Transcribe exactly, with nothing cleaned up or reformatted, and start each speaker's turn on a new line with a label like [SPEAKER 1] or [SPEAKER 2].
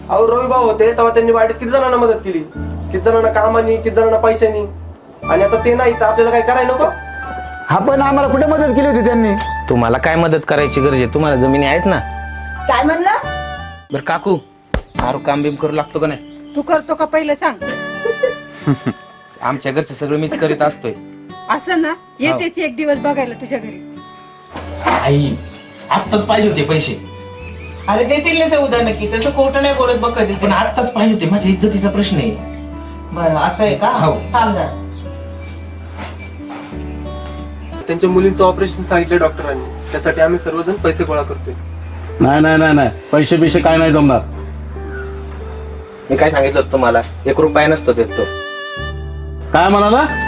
[SPEAKER 1] अहो रवी भाऊ होते तेव्हा त्यांनी वाईट किती जणांना मदत केली, किती जणांना कामानी, किती जणांना पैशानी, आणि आता ते नाही तर आपल्याला काय करायला नको?
[SPEAKER 2] हा पण आम्हाला कुठे मदत केली होती त्यांनी?
[SPEAKER 3] तुम्हाला काय मदत करायची गरज आहे? तुम्हाला जमिनी आहेत ना.
[SPEAKER 4] काय म्हणला?
[SPEAKER 3] बरं काकू, आरू काम बिम करू लागतो का नाही?
[SPEAKER 5] तू करतो का पहिलं सांग.
[SPEAKER 3] आमच्या घरचं सगळं मीच करीत असतोय.
[SPEAKER 5] असं ना, येतेच एक दिवस बघायला तुझ्या घरी.
[SPEAKER 3] आई आत्ताच पाहिजे होते पैसे.
[SPEAKER 6] अरे देतील ना ते उद्या नक्की, तसं खोटं नाही बोलत बघ कधी.
[SPEAKER 3] पण आत्ताच पाहिजे होते, माझ्या इज्जतीचा प्रश्न आहे.
[SPEAKER 6] बरं असं आहे का?
[SPEAKER 3] हो.
[SPEAKER 6] थांब जरा.
[SPEAKER 1] त्यांच्या मुलींचं ऑपरेशन सांगितलं डॉक्टरांनी, त्यासाठी आम्ही सर्वजण पैसे गोळा करतोय.
[SPEAKER 2] नाही नाही नाही नाही, पैसे बिशे काय नाही जमणार.
[SPEAKER 3] मी काय सांगितलं होतं तुम्हाला, एक रुपया नसतो देत तो.
[SPEAKER 2] काय म्हणाला?